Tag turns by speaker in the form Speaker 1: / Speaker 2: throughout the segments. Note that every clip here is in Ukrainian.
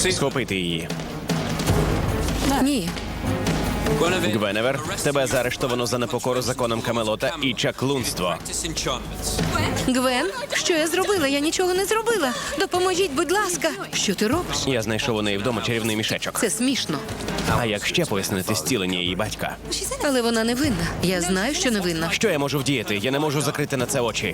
Speaker 1: Схопити її.
Speaker 2: Ні.
Speaker 1: Гвеневер, тебе заарештовано за непокору законам Камелота і чаклунство.
Speaker 2: Гвен, що я зробила? Я нічого не зробила. Допоможіть, будь ласка. Що ти робиш?
Speaker 1: Я знайшов у неї вдома чарівний мішечок.
Speaker 2: Це смішно.
Speaker 1: А як ще пояснити зцілення її батька?
Speaker 2: Але вона не винна. Я знаю, що не винна.
Speaker 1: Що я можу вдіяти? Я не можу закрити на це очі.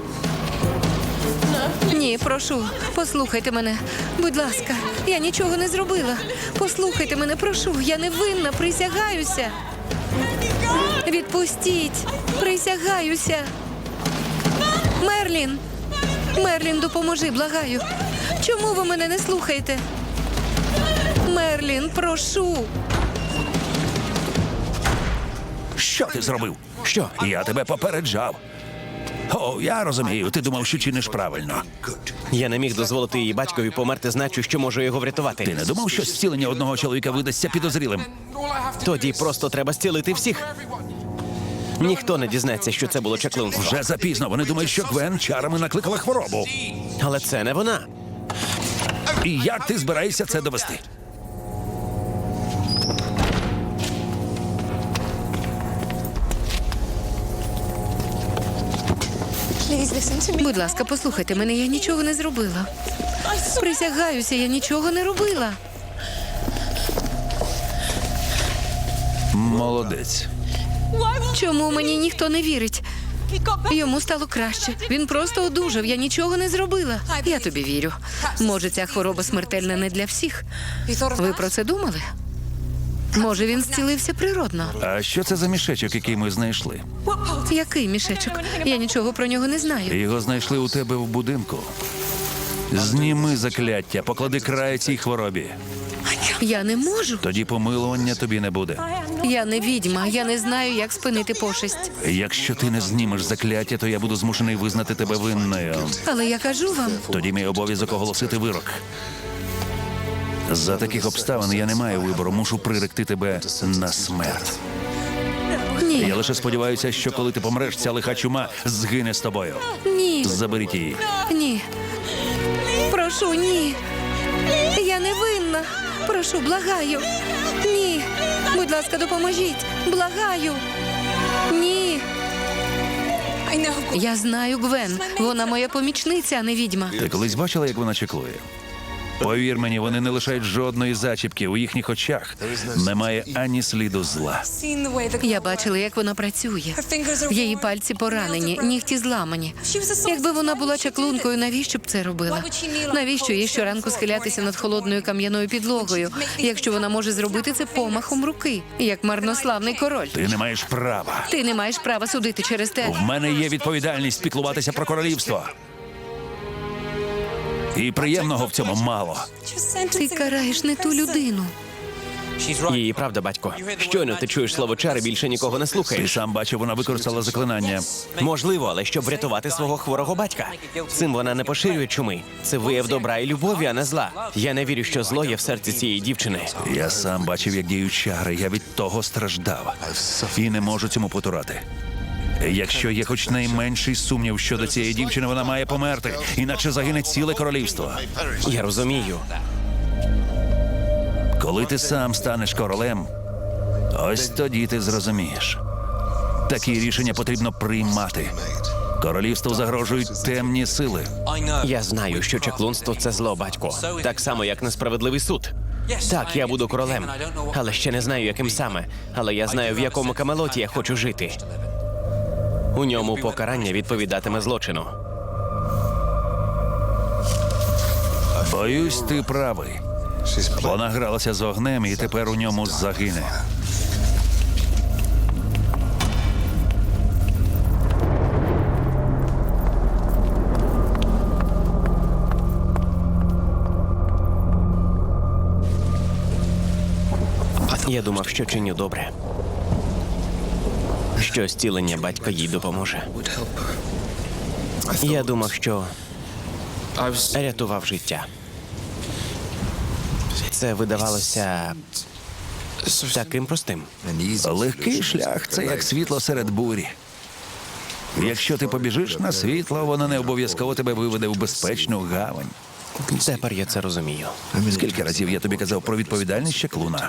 Speaker 2: Ні, прошу, послухайте мене. Будь ласка, я нічого не зробила. Послухайте мене, прошу. Я не винна, присягаюся. Відпустіть, присягаюся. Мерлін! Мерлін, допоможи, благаю. Чому ви мене не слухаєте? Мерлін, прошу.
Speaker 3: Що ти зробив?
Speaker 1: Що?
Speaker 3: Я тебе попереджав. О, я розумію, ти думав, що чиниш правильно.
Speaker 1: Я не міг дозволити її батькові померти, значу, що можу його врятувати.
Speaker 3: Ти не думав, що зцілення одного чоловіка видасться підозрілим?
Speaker 1: Тоді просто треба зцілити всіх. Ніхто не дізнається, що це було чаклунство.
Speaker 3: Вже запізно. Вони думають, що Гвен чарами накликала хворобу.
Speaker 1: Але це не вона.
Speaker 3: І як ти збираєшся це довести?
Speaker 2: Будь ласка, послухайте мене, я нічого не зробила. Присягаюся, я нічого не робила.
Speaker 3: Молодець.
Speaker 2: Чому мені ніхто не вірить? Йому стало краще. Він просто одужав, я нічого не зробила. Я тобі вірю. Може, ця хвороба смертельна не для всіх. Ви про це думали? Може, він зцілився природно?
Speaker 3: А що це за мішечок, який ми знайшли?
Speaker 2: Який мішечок? Я нічого про нього не знаю.
Speaker 3: Його знайшли у тебе в будинку. Зніми закляття, поклади край цій хворобі.
Speaker 2: Я не можу.
Speaker 3: Тоді помилування тобі не буде.
Speaker 2: Я не відьма, я не знаю, як спинити пошесть.
Speaker 3: Якщо ти не знімеш закляття, то я буду змушений визнати тебе винною.
Speaker 2: Але я кажу вам,
Speaker 3: Тоді мій обов'язок оголосити вирок. За таких обставин я не маю вибору, мушу приректи тебе на смерть.
Speaker 2: ні,
Speaker 3: Я лише сподіваюся, що коли ти помреш, ця лиха чума згине з тобою.
Speaker 2: ні,
Speaker 3: Заберіть її.
Speaker 2: ні. Прошу, ні. Я не винна. Прошу, благаю. Ні. Будь ласка, допоможіть. Благаю. Ні. Я знаю Гвен. Вона моя помічниця, а не відьма.
Speaker 3: Ти колись бачила, як вона чеклує? Повір мені, вони не лишають жодної зачіпки. У їхніх очах немає ані сліду зла.
Speaker 2: Я бачила, як вона працює. Її пальці поранені, нігті зламані. Якби вона була чаклункою, навіщо б це робила? Навіщо їй щоранку схилятися над холодною кам'яною підлогою, якщо вона може зробити це помахом руки, як марнославний король?
Speaker 3: Ти не маєш права.
Speaker 2: Ти не маєш права судити через те.
Speaker 3: В мене є відповідальність піклуватися про королівство. І приємного в цьому мало.
Speaker 2: Ти караєш не ту людину.
Speaker 1: Її правда, батько. Щойно ти чуєш слово чари, більше нікого не
Speaker 3: Ти
Speaker 1: слухаєш.
Speaker 3: сам бачив, вона використала заклинання.
Speaker 1: Можливо, але щоб врятувати свого хворого батька. Цим вона не поширює чуми. Це вияв добра і любові, а не зла. Я не вірю, що зло є в серці цієї дівчини.
Speaker 3: Я сам бачив, як діють чари. Я від того страждав. І не можу цьому потурати. Якщо є хоч найменший сумнів щодо цієї дівчини, вона має померти, іначе загине ціле королівство.
Speaker 1: Я розумію.
Speaker 3: Коли ти сам станеш королем, ось тоді ти зрозумієш. Такі рішення потрібно приймати. Королівству загрожують темні сили.
Speaker 1: Я знаю, що чаклунство – це зло, батько. Так само, як несправедливий суд. Так, я буду королем, але ще не знаю, яким саме. Але я знаю, в якому Камелоті я хочу жити. У ньому покарання відповідатиме злочину.
Speaker 3: Боюсь, ти правий. Вона гралася з огнем і тепер у ньому загине.
Speaker 1: Я думав, що чиню добре. Що зцілення батька їй допоможе. Я думав, що рятував життя. Це видавалося таким простим.
Speaker 3: Легкий шлях – це як світло серед бурі. Якщо ти побіжиш на світло, воно не обов'язково тебе виведе в безпечну гавань.
Speaker 1: Тепер я це розумію.
Speaker 3: Скільки разів я тобі казав про відповідальність чаклуна?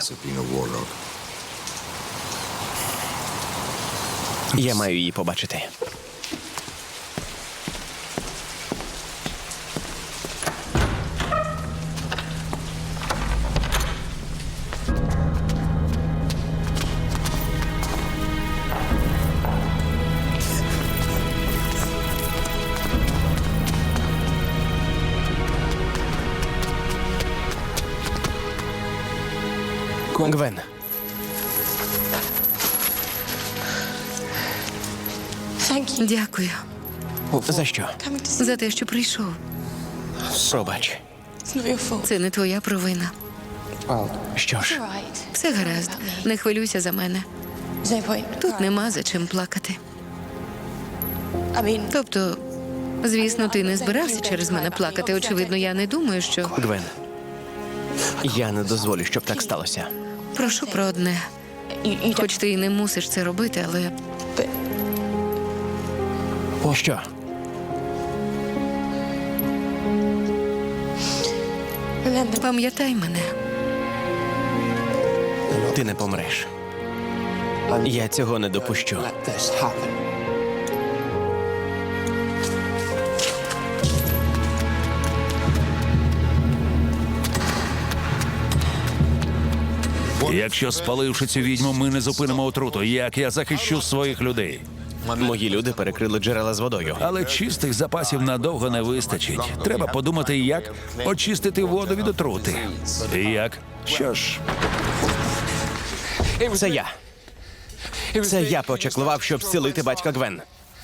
Speaker 1: Я маю її побачити. Гвен,
Speaker 2: Дякую
Speaker 1: за що?
Speaker 2: за те, що прийшов.
Speaker 1: Пробач.
Speaker 2: Це не твоя провина.
Speaker 1: Що ж,
Speaker 2: Все гаразд. Не хвилюйся за мене. Тут нема за чим плакати. Тобто, звісно, ти не збирався через мене плакати. Очевидно, я не думаю, що.
Speaker 1: Гвен, я не дозволю, щоб так сталося.
Speaker 2: Прошу про одне. Хоч ти і не мусиш це робити, але
Speaker 1: Що?
Speaker 2: пам'ятай мене.
Speaker 1: Ти не помреш. Я цього не допущу.
Speaker 3: Якщо, спаливши цю відьму, ми не зупинимо отруту, як я захищу своїх людей?
Speaker 1: Мої люди перекрили джерела з водою.
Speaker 3: Але чистих запасів надовго не вистачить. Треба подумати, як очистити воду від отрути. І як? Що ж,
Speaker 1: Це я. Це я почаклував, щоб зцілити батька Гвен.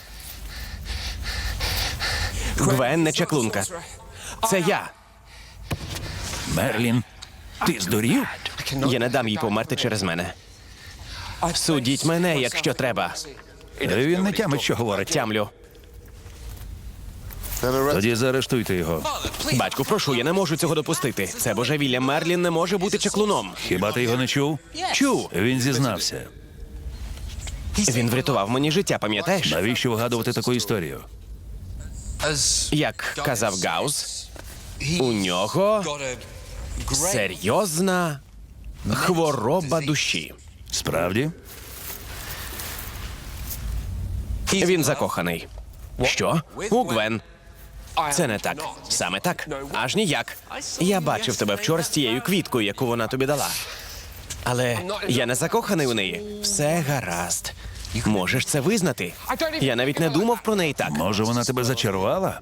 Speaker 1: Гвен не чаклунка. Це я.
Speaker 3: Мерлін, ти здурів?
Speaker 1: Я не дам їй померти через мене. Судіть мене, якщо треба.
Speaker 3: Він не тямить, що говорить.
Speaker 1: Тямлю.
Speaker 3: Тоді заарештуйте його.
Speaker 1: Батьку, прошу, я не можу цього допустити. Це божевілля. Мерлін не може бути чаклуном.
Speaker 3: Хіба ти його не чув?
Speaker 1: Чув.
Speaker 3: Він зізнався.
Speaker 1: Він врятував мені життя, пам'ятаєш?
Speaker 3: Навіщо вигадувати таку історію?
Speaker 1: Як казав Гаус, у нього серйозна хвороба душі.
Speaker 3: Справді?
Speaker 1: Він закоханий. Що? У Гвен. Це не так. Саме так. Аж ніяк. Я бачив тебе вчора з тією квіткою, яку вона тобі дала. Але я не закоханий у неї. Все гаразд. Можеш це визнати. Я навіть не думав про неї так.
Speaker 3: Може, вона тебе зачарувала?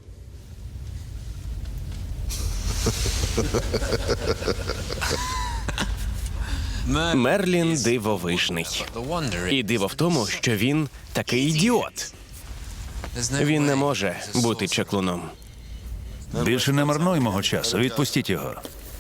Speaker 1: Мерлін дивовижний. І диво в тому, що він такий ідіот. Він не може бути чаклуном.
Speaker 3: Більше не марнуй мого часу. Відпустіть його.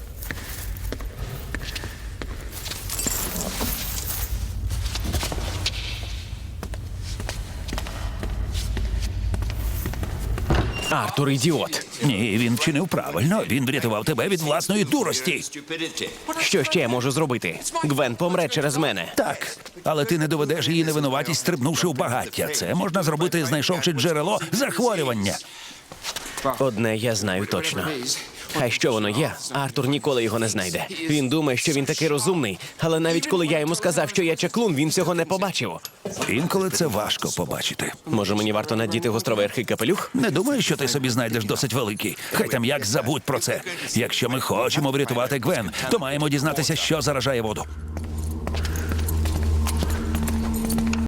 Speaker 1: Артур ідіот.
Speaker 3: Ні, він вчинив правильно. Він врятував тебе від власної дурості.
Speaker 1: Що ще я можу зробити? Гвен помре через мене.
Speaker 3: Так, але ти не доведеш її невинуватість, стрибнувши в багаття. Це можна зробити, знайшовши джерело захворювання.
Speaker 1: Одне я знаю точно. Хай що воно є, Артур ніколи його не знайде. Він думає, що він такий розумний, але навіть коли я йому сказав, що я чаклун, він цього не побачив.
Speaker 3: Інколи це важко побачити.
Speaker 1: Може, мені варто надіти гостроверхий капелюх?
Speaker 3: Не думаю, що ти собі знайдеш досить великий. Хай там як забудь про це. Якщо ми хочемо врятувати Гвен, то маємо дізнатися, що заражає воду.